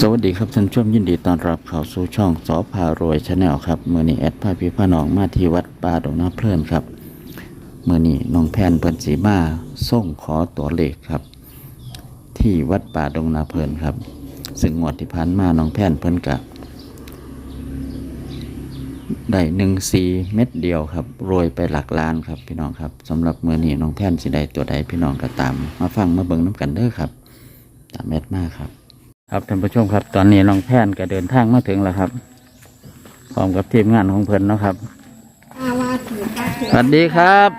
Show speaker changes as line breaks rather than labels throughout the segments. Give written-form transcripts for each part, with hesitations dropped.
สวัสดีครับท่านผู้ชมยินดีต้อนรับเข้าสู่ช่องสอพารวยชาแนลครับเมื่อนี้แอดพาพี่พาน้องมาที่วัดป่าดงน้ำเพลินครับเมื่อนี้น้องแพนเพิ่นสีมาส่งขอตัวเลขครับที่วัดป่าดงนาเพลินครับซึ่งงวดที่ผ่านมาน้องแพนเพิ่นกะได้14 เม็ดเดียวครับโรยไปหลักล้านครับพี่น้องครับสำหรับเมื่อนี้น้องแพนสิได้ตัวใดพี่น้องก็ตามมาฟังมาเบิ่งน้ำกันเด้อครับตามแอดมาครับครับท่านผู้ชมครับตอนนี้น้องแพนก็เดินทางมาถึงแล้วครับพร้อมกับทีมงานของเพิ่นเนาะครับสวัสดีครับ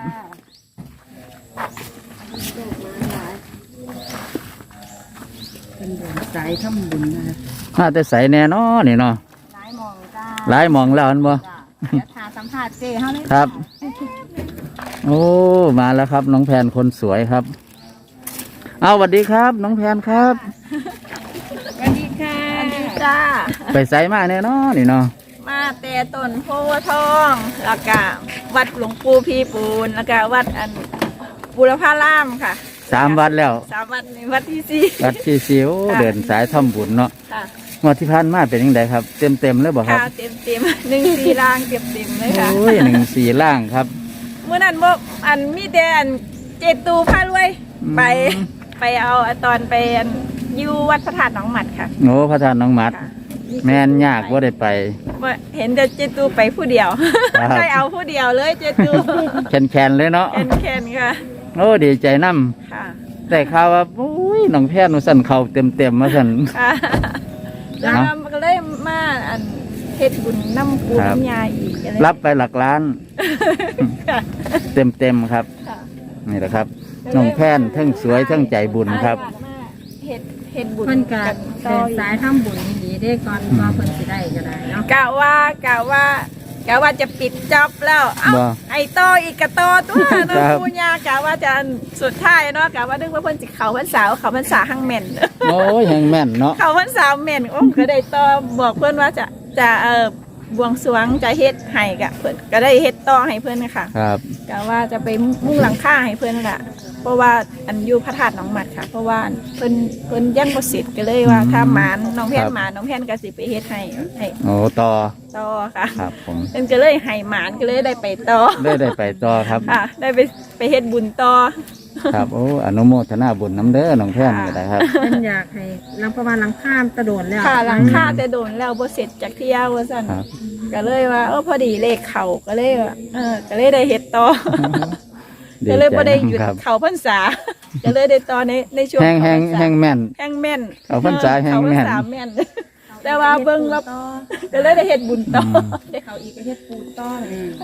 เป็นเดินสายทำบุญนะ
มาแต่ใสแน่นอนนี่เนาะ
หลายหมองจ้า
หลายหมองแล้วอันบ่
เดี๋ยวทาสัมภาษณ์เจ้เขาเลย
ครับโอ้มาแล้วครับน้องแพนคนสวยครับเอาสวัสดีครับน้องแพนครับ
สวัสดีค่ะสวัสดีจ้า
ไปใสมาแน่นอนนี่เนาะ
มาแต่ต้นโพธิ์ทองแล้วก็วัดหลวงปู่พีปูนแล้วก็วัดบุรพารามค่ะ
3 วัดแล้ว
3 วัดในวัดที่4
วัดที่สิว
ค่ะ
เดินสายทำบุญเนาะ
ค่ะ
งวดที่ผ่านมาเป็นยังไงครับเต็มเลยบ่ครับ
ข้าวเต็ม1 4ล่างเต็มเลยค่ะ
โอ้ย14ล่างครับ
เมื่อนั้นบอกมีแต่เจตูพารวย
อืม
ไปเอาตอนไปอยู่วัดพระธาตุหนองหมัดค่ะ
โอ้พระธาตุน้องหมัด
ค่ะ
แม่นยากว่าได้ไป
เห็นแต่เจตูไปผู้เดียว
ครับ
ได้เอาผู้เดียวเลยเจตู
แคนเลยเนาะ
แคนค่ะ
โอ้ดีใจนํ
ค่ะ
แต่ข่าวว่าโอ้ยน้องแพทย์หนูสั่นเข่าเต็มมาสั่น
ค่ะแล้ว
เนาะ
มันก็เลยมาเฮ็ดบุญน้ำปู
ครับ
น้ำยาอีกอะไร
รับไปหลักล้าน
ค่ะ
เต็มครับ
ค่ะ
นี่แหละครับน้องแพนทั้งสวยทั้งใจบุญครับ
เฮ็ดบุญ
เพิ่นก็
กันต่
เดิ
อน อีก
สายทำบุญดีๆได้ก่อนว่าเพิ่นสิได้ก็ได้เนาะ
กะว่าจะปิดจ็อบแล้ว เอ้า
บ่
ไอ้ต่ออีกกะต่อตัว
ครั
น้อง
บ
ปูญากะว่าจะสุดท้ายเนาะกะว่านึกว่าเพิ่นสิเขาพรรษาหั่งแม่น
โอ้ยแหงแม่นเนาะ
เขาพรรษาแม่นโอ้ก็ได้ต่อบอกเพิ่นว่าจะบวงสรวงจะเฮ็ดให้กะเพิ่นก็ได้เฮ็ดต่อให้เพิ่นค่ะ
ครับ
กะว่าจะไปมุ่งหลังคาให้เพิ่นค่ะเพราะว่าอยู่พระธาตุหนองหมัดค่ะ เพราะว่าเพิ่นยังบ่เสร็จก็เลยว่าถ้าหมานน้องแพนหมานน้องแพนก็สิไปเฮ็ดให้
โอ้ต่อ
ต่อค่ะ
ครับผม
เพิ่นก็เลยให้หมานก็เลยได้ไปต่อ
ได้ไปต่อครับ
ค่ะ ได้ไปเฮ็ดบุญต่อ
ครับโอ้อนุโมทนาบุญน้ำเด้อน้องแพนก็ได้ครับ
เพิ่นอยากให้ลังประมาณหลังข้ามตะโดนแล้ว
ค่ะหลังคาแต่โดนแล้วบ่เสร็จจากเที่ยวว่าซั่น
ครับ
ก็เลยว่าพอดีเลขเขาก็เลยว่าก็เลยได้เฮ็ดต่อ
ดี
ก็เลย
ใจ
บ่ได้หยุด
ครับ
เขาพรรษา ก็เลยได้ต่อในช่วง
แห้ง
เข้าพรรษา
แห้งแม่น
แห้งแม่น
เขาพรรษาแห้งแม่น
เขาพรรษาแม่น แต่ว่าเบิ่งแล้วก็เลยได้เฮ็ดบุญต่อได้เขาอีกก็เฮ็ดบุญต่อง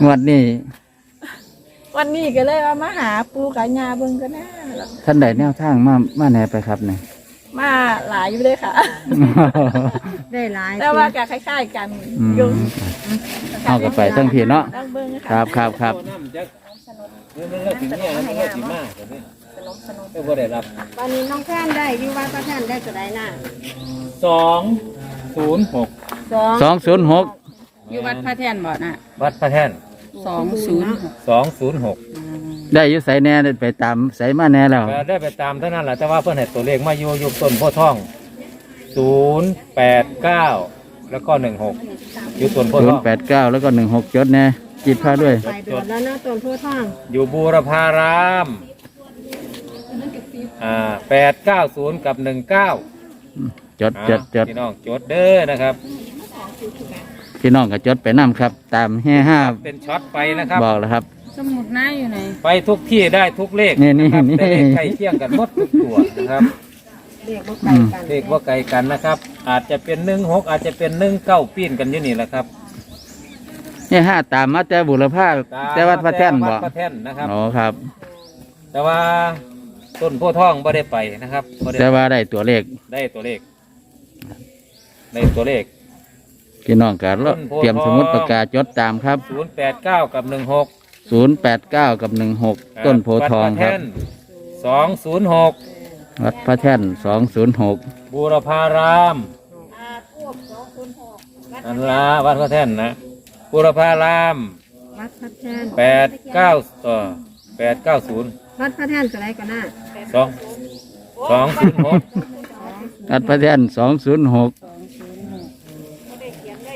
วดนี้
วันนี้ก็เลยว่ามาหาปู่กับย่าเบิ่งก็น่าแล้ว
ท่านใดแนวทางมาแหน่ไปครับเนี่ย
มาหลายอยู่เลยค่ะ
ได้หลาย
แต่ว่าก็คล้ายๆกัน
อืม
อยู่
เอากลับไปทั้งพี่เนาะ
ต้องเบิ่ง
ครั
ค่ะ
บครับ
มันก็ถึงเนี่ยมันก็สิมากแต่นี่ก็บ่ได้รับ
ตอนนี้น้องแพนได้อยู่ว่าพระแพนได้ก็ได้น่ะ
206
206
อยู่วัดพระแทนบ่น่ะ
วัดพระแท่น
206
ได้อยู่ใส่แหน่ได้ไปตามใส่มาแหน่แล้ว
ก็ได้ไปตามเท่านั้นแหละแต่ว่าเพิ่นให้ตัวเลขมาอยู่ต้นโพธิ์ทอง089แล้วก็16อยู่ต้นโพธิ์ทอง
089แล้วก็16จดแหน่จิตพาด้วย
ไปโดนแล้วเนาะต้นโพธิ์ทอง
อยู่บูรพาราม890กับ19
จดจดจด
พี่น้องจดเด้อนะครับ
พี่น้องก็จดไปนํครับ ตามแห่ห้า
เป็นช็อตไปนะครับ
บอกแล้วครับ
สมุดหน้าอยู่ไหน
ไปทุกที่ได้ทุกเลข
นี่
นะครับ
นี่
แต่เลขใกล้เคียงกันหมดทุกตัวนะครับ
เรียกบ่ไกลกัน
เลขว่าไกลกันนะครับ อาจจะเป็น16อาจจะเป็น19ปีนกันอยู่นี่แหละครับ
แห่ห้าตามมาแต่บุรพาแต่วัดพระแท่นบ่
วัดพระแท่นนะครับ
อ๋อครับ
แต่ว่าต้นโพธิ์ทองไม่ได้ไปนะครับบ่ได้
แต่ว่าได้ตัวเลข
ได้ตัวเลขได้ตัวเลข
พี่น้องก็เตรียมสมุดปากกาจดตามครับ
089กับ16
089กับ16ต้นโพธิ์ทองครับ
206
วัดพระแท่น206
บูรพารามอันละวัดพระแท่นนะบูรพาราม
วัดพระแทน
890
วัดพระแทนก็ได้ก็น่ะ
206
วัดพระแท่น206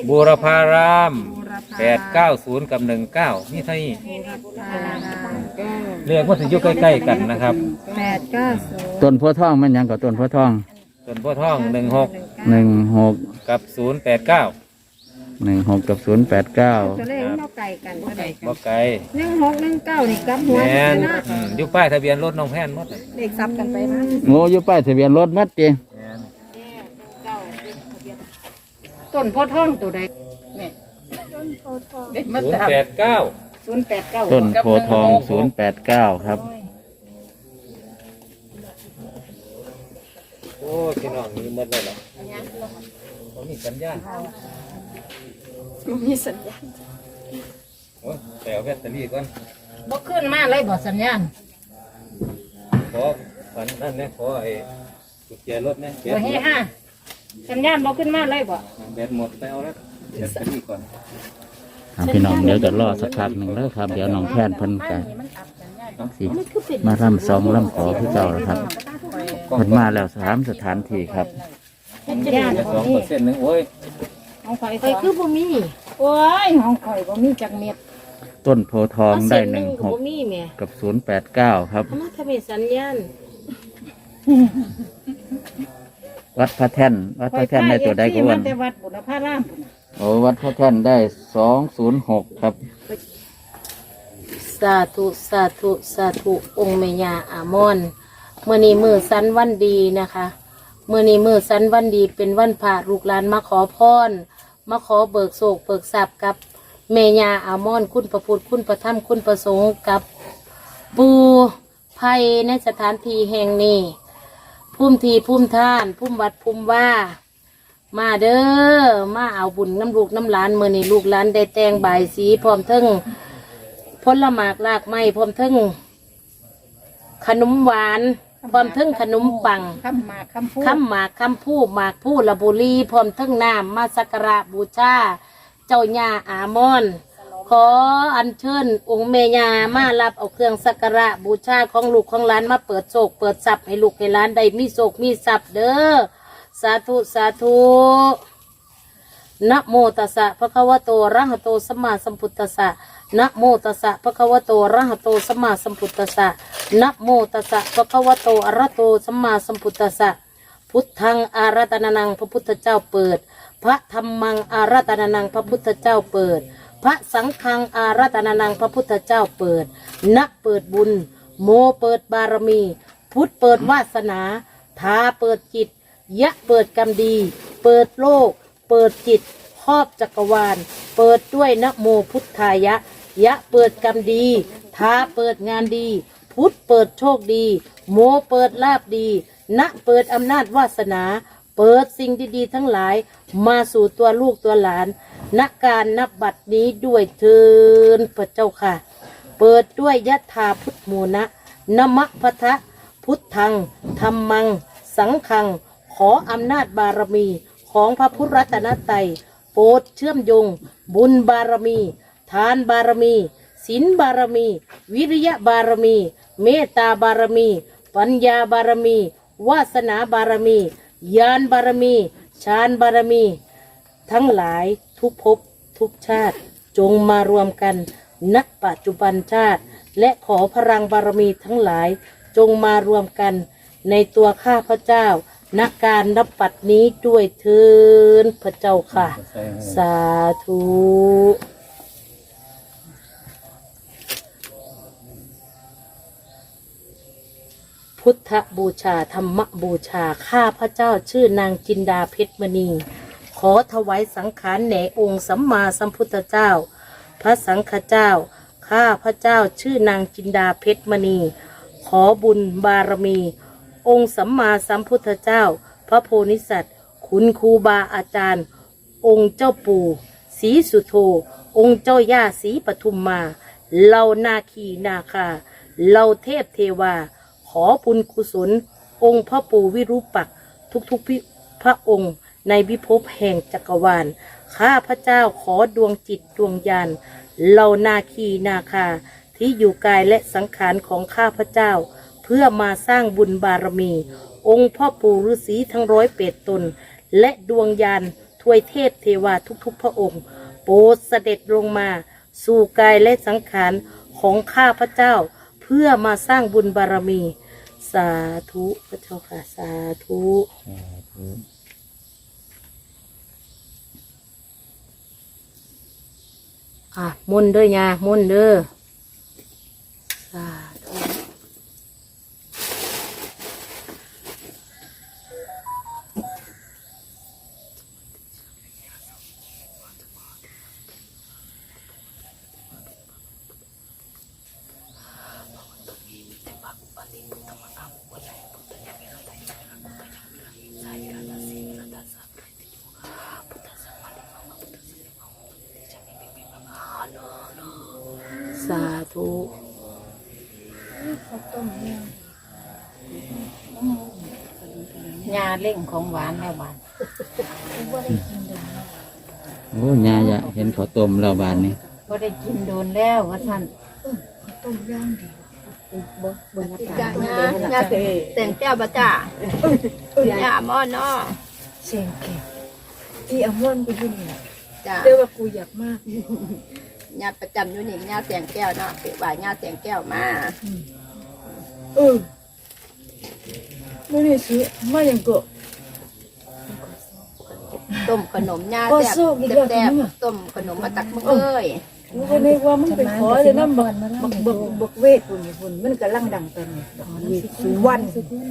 บูรพาราม
บูรพา
890กับ19นี่เท่านี้
บูรพาราม
เรียกว่าสิอยู่ใกล้ๆกันนะครับ
890
ต้นโพธิ์ทองมันหยังกับต้นโพธิ์ทอง
ส่วนพ่อท่อง16
16
กับ089
16กับ089
ตัวเลขมันบ่ไกลกันเท่าใดกัน
บ่ไกล
1619นี่กลับหัว
แม่น
เนาะ
อยู่ป้ายทะเบียนรถน้องแพนหมดเลย
เลขซับกันไปมา
โง่อยู่ป้ายทะเบียนรถมัดติ
แม่น
ต้นโพธิ์ทองตัวใดนี่
089
089
ต้นโพธิ์ทอง089ครับ
โอ้ยพี่น้องมีหมดเลยเหรอบ่มีสัญญาณ
มีสัญญาณ
โอ้ยไปเอาแบตเตอรี่ก่อน
บ่ขึ้นมาเลยบ่สัญญาณ
ขอฝันนั่นเนี่ยขอไอ้กุญแจรถเนี่ยแบ
บ่
ต
เฮฮะสัญญาณบ่ขึ้นมาเลยบ่
แบตหมดไปเอาแล้วแบตเตอรี่ก่อน
พี่น้องเดี๋ยวจะรอสักพักหนึ่งแล้วครับ เดี๋ยวน้องแพนเพิ่นกันสิมาร่ำซองร่ำขอพี่เจ้าแล้วครับเพิ่นมาแล้ว3 สถานที่ครับ
สัญญาณ
2%นึงโอ้ย
ของข่อยคือบ่มีโอ้ยของข่อยบ่มีจักเม็ด
ต้นโพธิ์ทองได้
บ่มีแม่
16กับ089ครับ
มาทำให้สัญญาณ
วัดพระแท่นวัดพระแท่นได้ตัวใดก็วัน
แต่วัดบุรพารามพุ่น
โอ้วัดพระแท่นได้206ครับ
สาธุสาธุสาธุองค์แม่ย่าอามอนเมื่อนี้มือสันวันดีนะคะเมื่อนี้มือสันวันดีเป็นวันพระลูกหลานมาขอพรมาขอเบิกโศกเบิกทรัพย์กับแม่ย่าอามอนคุณประพุทธคุณประธรรมคุณประสงค์กับปูภัยในสถานที่แห่งนี้พุ่มทีพุ่มท่านพุ่มวัดพุ่มว่า มาเด้อมาเอาบุญน้ำลูกน้ำหลานเมื่อนี้ลูกหลานได้แต่งบายสีพร้อมทั้งผลหมากลากไม้พร้อมทั้งขนมหวานพร้อมทั้งขนมปัง
คำหมากคำพูด
คำหมากคำพูหมากพูละบุรีพร้อมทั้งน้ำมาสักการะบูชาเจ้าย่าอามอน ขออัญเชิญองค์แม่ย่ามารับเอาเครื่องสักการะบูชาของลูกของหลานมาเปิดโศกเปิดทรัพย์ให้ลูกให้หลานได้มีโศกมีทรัพย์เด้อสาธุสาธุนะโมตัสสะภะคะวะโตอะระหะโตสัมมาสัมพุทธัสสะนะโมตัสสะภะคะวะโตอะระหะโตสัมมาสัมพุทธัสสะนะโมตัสสะภะคะวะโตอะระหะโตสัมมาสัมพุทธัสสะพุทธังอารัตนานังพระพุทธเจ้าเปิด พระธรรมังอารัตนานังพระพุทธเจ้าเปิด พระสังฆังอารัตนานังพระพุทธเจ้าเปิดนะเปิดบุญ โมเปิดบารมี พุทธเปิดวาสนาทาเปิดจิต ยะเปิดกรรมดี เปิดโลก เปิดจิตครอบจักรวาล เปิดด้วยนะโมพุทธายะ ยะเปิดกรรมดีทาเปิดงานดี พุทธเปิดโชคดี โมเปิดลาบดี นะเปิดอำนาจวาสนา เปิดสิ่งดีๆทั้งหลาย มาสู่ตัวลูกตัวหลานณการนับบัดนี้ด้วยเทินพระเจ้าค่ะ เปิดด้วยยะถาพุทธโมนะนะมะพะทะพุทธังธรรมัง สังฆัง ขออำนาจบารมีของพระพุทธรัตนตรัยโปรดเชื่อมโยง บุญบารมี ทานบารมี ศีลบารมี วิริยะบารมี เมตตาบารมี ปัญญาบารมี วาสนาบารมีญาณบารมีฌานบารมี ทั้งหลายทุกภพทุกชาติจงมารวมกันณปัจจุบันชาติ และขอพลังบารมีทั้งหลายจงมารวมกันในตัวข้าพเจ้าณการนับปัดนี้ด้วยเทินพระเจ้าค่ะ สาธุ พุทธบูชาธรรมบูชาข้าพระเจ้าชื่อนางจินดาเพชรมณีขอถวายสังขารแด่องค์สัมมาสัมพุทธเจ้า พระสังฆเจ้าข้าพระเจ้าชื่อนางจินดาเพชรมณีขอบุญบารมี องค์สัมมาสัมพุทธเจ้า พระโพธิสัตว์คุณครูบาอาจารย์ องค์เจ้าปู่ศรีสุโธองค์เจ้าย่าศรีปทุมมาเหล่านาคีนาคาเหล่าเทพเทวาขอบุญกุศลองค์พระปู่วิรูปักษ์ทุกๆพระองค์ในวิภพแห่งจักรวาลข้าพระเจ้าขอดวงจิตดวงญาณเหล่านาคีนาคาที่อยู่กายและสังขารของข้าพระเจ้าเพื่อมาสร้างบุญบารมีองค์พ่อปู่ฤาษีทั้ง108 ตนและดวงญาณทวยเทพเทวาทุกๆพระองค์ โปรดเสด็จลงมา สู่กายและสังขารของข้าพเจ้า เพื่อมาสร้างบุญบารมี สาธุพระเจ้าค่ะสาธุมุนต์เด้อยามุนต์เด้อสาธุ สาธุ
ยาเล่งของหวานแล้วหวาน
โอ้ยาจะเห็นเขาต้มแล้วบานนี้
ก็ได้กินโดนแล้วว่าท่าน
จ้าญาแต่งแก้วบ่จ้าญาม่อนเนาะ
เสียงแก่ที่อมอนกูอยู่นี่
จ้า
เรียกว่ากูอยากมาก
ญาประจำอยู่นี่ญาแต่งแก้วเนาะเปิดว่าญาแต่งแก้วมา
ไม่ได้ซื้อมาอย่างก็
ต้มขนมญา
ก็
แซ่บ
สู้อีกแล้ว
แซ่บ
นี่
ต้มขนมมาตักมึงเอ้ย
กูก็นึกว่ามึงไปขอเลยน้ำบักเวทปุ่นปุ่นมันก็ลั่งดังตอนนี้สุวรรณ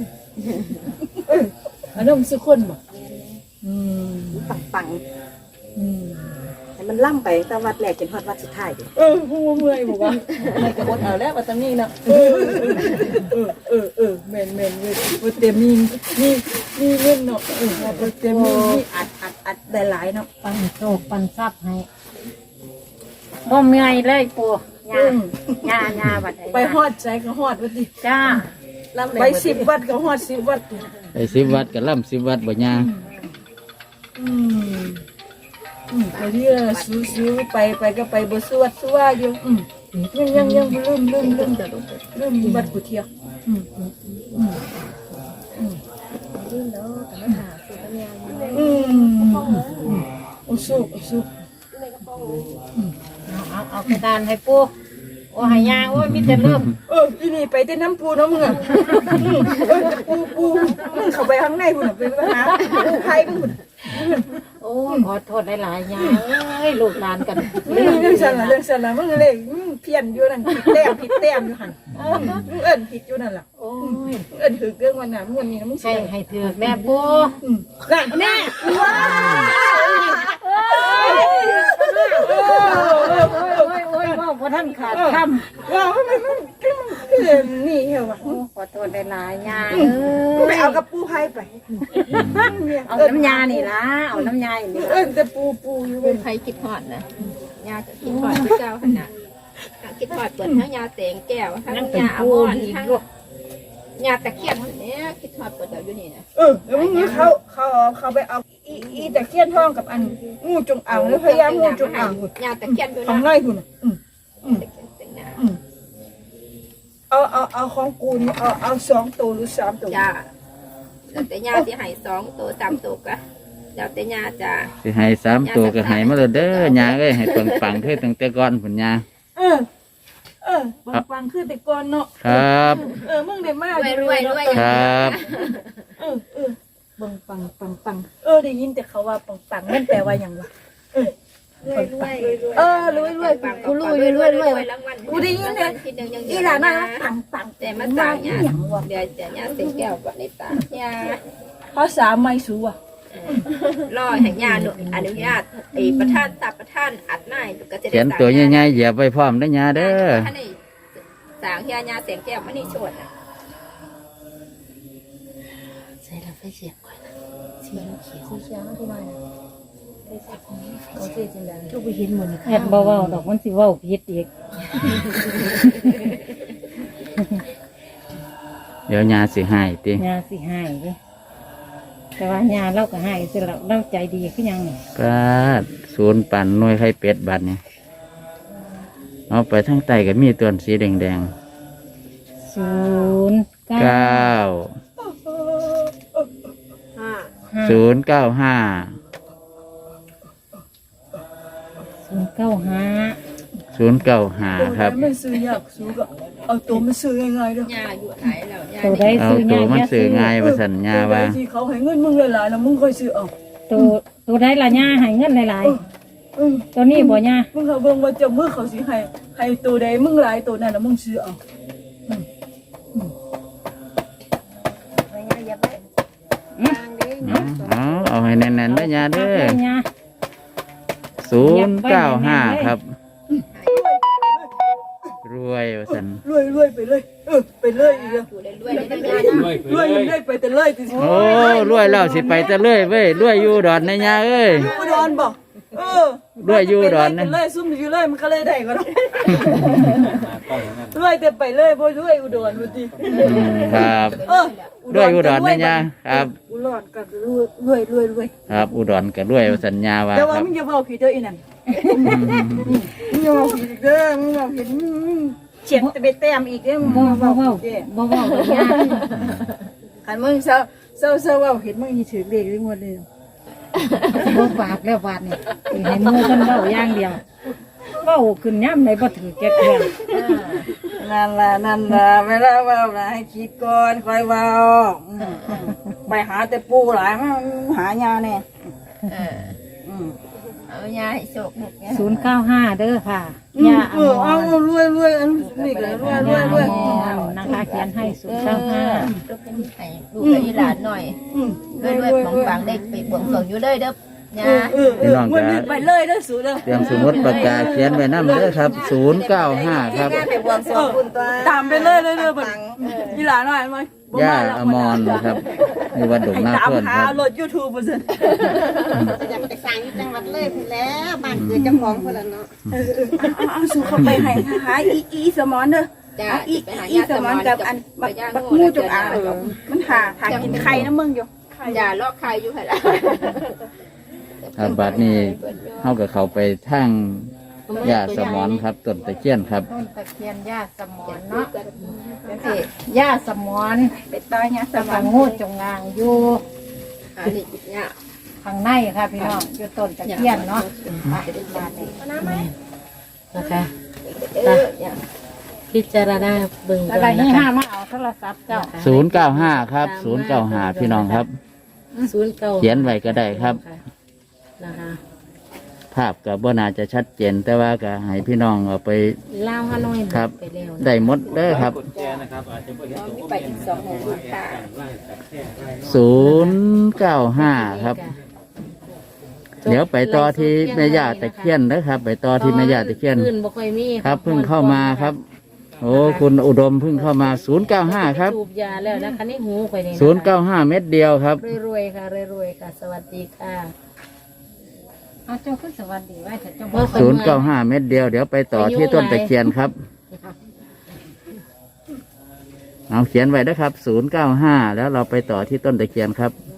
อันนั้นมันสุคนบ่
ปัง
แต่มันล่ำไปแต่วัดแรกจนฮอดวัดสุดท้ายดิกูเมื่อยบอกว่าไม่กระบดเอาแล้วว่าตอนนี้นะแม่นเว้ยเต็มมีเงินเนาะเต็มมีอัดได้หลายเนาะ
ปันโชคปันทรัพย์ให้บ่เมื่อยเลยปู่ยาบัด
ไปฮอดใจก็ฮอดวัดดิ
จ้า
ไป10 วัดก็ฮอด10 วัด
ไป10 วัดกับล่ำ10 วัดบ่ยา
ไปเรื่อยซื้อไปก็ไปบ่สวดสว่าอยู่ยังลืมวัดกุเทียอุสุ
เอากระดานให้ปู่โอ้ให้ยาโอ้ยมีแต่เริ่ม
อีนี่ไปแต่น้ำปูเนาะมึงอ่ะปูมึงเข้าไปข้างในพุ่นไปหาปูไผ่มึง
โอ้ขอโทษหลายๆยาเอ้ยลูกหลานกัน
เรื่องสั่นละมึงเลยเพี้ยนอยู่นั่นผิดแต้มอยู่หั่นมึงเอิ้นผิดอยู่นั่นล่ะ
โอ้ย
เอิ้นถือเรื่องวันน่ะมึงวันนี้นะมึง
ให้ถือแม่ปู่
แน่
โอ้ยว่าพอท่านขาดคำ
ว้าวมันนี่เหรอวะ
ขอโทษหลายๆยา
ไปเอากับปูไผ่ไป
เอาน้ำยานี่ล่ะเอาน้ำยานี่
แต่ปูอยู่
เป็นไผคิดฮอดนะญาจะคิดฮอดคือเก่าหั่นน่ะคิดฮอดเปิดทั้งญาแต่งแก้วทั้ง
นั่งเป็น
ญาอ
ผู้
มอน
อีก
ทั้ง
ลูก
ญาตะเคียนเนี่ยคิดฮอดเปิดเอาอยู่นี่นะ
แล้วมึงเขาไปเอาอีตะเคียนทองกับอันงูจงอางหรือพญางูจงอาง
ญาตะเคียนอยู่
ของ
นะ
ไร่คุณ
แต่งหน้า
เอาของกูนี่เอา2 ตัวหรือ3 ตัว
จ้าแล้วแต่ญาที่ให้2ตัว3ตัวก็แล้วแต่ญาจ้า
สิให้3 ตัวก็ให้มาเลยเด้อยาเอ้ยให้ปังๆคือตั้งแต่ก่อนพุ่นยา
ฟังคือแต่ก่อนเนาะ
ครับ
มึงได้มาก
รวย
ครับ
ปังได้ยินแต่เขาว่าปังมันแปลว่าอย่างวะรวยกูรู้รวยกูได้ยินเนี่ยอีหลานน่ะปัง
แต่มาต่างญาเดี๋ยวจะญาแต่งแก้วก่อนในตาญา
ภาษาไม่สูอ่ะ
รอให้ญาอนุญาตไอ้ประธานตับประธานอัดหน้าก็จะได้
เขียนตัวใหญ่ๆเหยียบไว้พร้อมเด้อยาเด้อ
ท่านนี่สางญาแต่งแก้วมันนี่ชดนะ
ใส่เราไฟเสียบก่อนนะสีเขียว
สีเขียวที่มาเขาเสียจริงจัง
ทุกไปเห็นหมดแค่เบาๆดอกมันสิเว้าผิดอีก
เดี๋ยวยาสิให้ติ
ยาสิให้เด้แต่ว่ายาเราก็ให้สิเราใจดีคือยังนี่
ปาดศูนย์ปั่นหน่วยไข่เป็ดบัดนี่เอาไปทางใต้ก็มีตัวสีแดงๆ
09
095
095
095ครับ
ไม่ซื้อยากซื้อก็เอาตัวมันซื้อง่ายๆเด้อ
ตัวใด
เอา
ซื้อ
ตัว
ง่าย
มัน
อย่า
ซื้อง่ายว่าสัญญาว่า
ที่เขาให้เงินมึงหลายๆแล้วมึงค่อยซื้อเอา
ตัวใดล่ะย่าให้เงินหลาย
อืม
ๆตัวนี้บ่ย่า
มึงเขาเบิ่งว่าเจะมือเขาสิให้ตัวใดมึงหลายตัวนั้นแล้วมึงซื้อเอา
เอาให้แน่นๆได้อยาเด้อ
ย่า
095ครับ รวยว่าสัน
รวยไปเลยไปเลยอีกแล้วรวยไปแต่เลยติ
โอ้รวยแล้วสิไปแต่เลยเว้ยรวยอยู่ดอนในยาเอ้ย
อุดรบ่
รวยอยู่อุดรนะ
ไปเลยซุ่มอยู่เลยมันก็เลยได้ก็ได้รวยแต่ไปเลยบ่รวยอุดรบ่ติ
ครับรวยอุดรในยาครับ
อุดรก็รวย
ครับอุดรก็รวยว่าสัญญาว่า
แต่
ค
ว่า
รับ
มึงอย่าเว้าผิดเด้ออีนั่นมึงอย่าเว้าผิดอีกเด้อมึงเว้าผิดเฉียดไปแต้มอีกเด้อมึง
บ่
เว้า
เว้า
ผิดเด้อ
บ่เว้าเลยย่า
คันมึงเศร้าเว้าผิดมึงสิถือเลขได้หมดเลย
บ่ฝากแล้วบาดนี่สิให้หมู่เพิ่นเว้าอย่างเดียวเว้าขึ้นย่ำใดบ่ถือแก่เทื่อ
นั่นล่ะเวลาเว้าน่ะให้คิดก่อนค่อยเว้าไปหาแต่ปูหลายมาหายาแน่
เอายาให้โชคลูกเนี่ย
095เด้อค่ะย่าอม
เอา
ร
รวยอันนี้ก็รวย
ย่าอมรนะคะเขียนให้095
ลูกเป็นให้ลูกกับหลานหน่อยด้วยของฝังได้ไปบวงสรวงอยู่เลยเด้อยา
พี่น้อง
วัน
ก็
นี้ไปเลยเด้อสูเด้อ
เตรียมสมุดปากกาเขียนไว้นำเด้อครับ095ครับ
ไปบวงสรวงคุณตัว
ตามไปเลยเด้อบัดอีหลาน้อยมั้ย
ย่าอมรนะครับอยู่วัดดงนา
ตาม
เพื่อน
หา
ครับ
รถ YouTube บ่ซั่น
อยากไปสั่งที่จังหวัดเลยพุ่นแล้วบ้านเกิดเจ้าของพุ่นละเนาะ
เอาสู่เข้าไปให้หาอีสมอนเด้อ
จ้า
อีสมอนกับอันบักงูจงอางมันหากินไข่นะมึงอยู่
อย่าลอกใครอยู่หั่นล่ะ
ครับบัดนี้เฮากับเขาไปทางย่าสมอนครับต้นตะเคียนครับ
ต้นตะเคียนย่าสมอนเนาะย่าสมอน
ไปต่อยาส
ส
ม
มั
อง ง
งูจงอางอยู่
อันนี้ยา
ข้างในค่ะพี่น้องอยู่ต้นตะเคียนเนาะมานี่นะคะ
พิจารณาเบิ่ง
อะไร
ก่อน
นี่
นะคะ
ห้ามาเอาโทรศัพท์เจ้า
095ครับ095พี่น้องครับ
09
เขียนไว้ก็ได้ครับ
นะคะ
ภาพกับบ่น่าจะชัดเจนแต่ว่าก็ให้พี่น้องเอาไป
ลาวฮานอย
ครับ
ไปแล้วนะ
ได้หมดเด้อครับ
แกนะครับอาจจะไม่เห็นตัว
ไปอีก2หมู่ค่ะ
095ครับ เดี๋ยวไปต่อที่แม่ย่าตะเคียนนะครับ ไปต่อที่แม่ย่าตะเคียน
ขึ้นบ่ค่อยมี
ครับเพิ่งเข้ามาครับ โอ้คุณอุดมเพิ่งเข้ามา095ครับ
สูบยาแล้วนะคะนี่หูข่อยนี่นะคะ
095เม็ดเดียวครับ
รวยๆค่ะรวยๆค่ะ สวัสดีค่ะ
เอาเจ้าขึ้นสวัสดีไว้เถอะเจ้า
บ่ค่อยมา
095เม็ดเดียวเดี๋ยวไปต่อที่ต้นตะเคียนครับ เอาเขียนไว้นะครับ095แล้วเราไปต่อที่ต้นตะเคียนครับ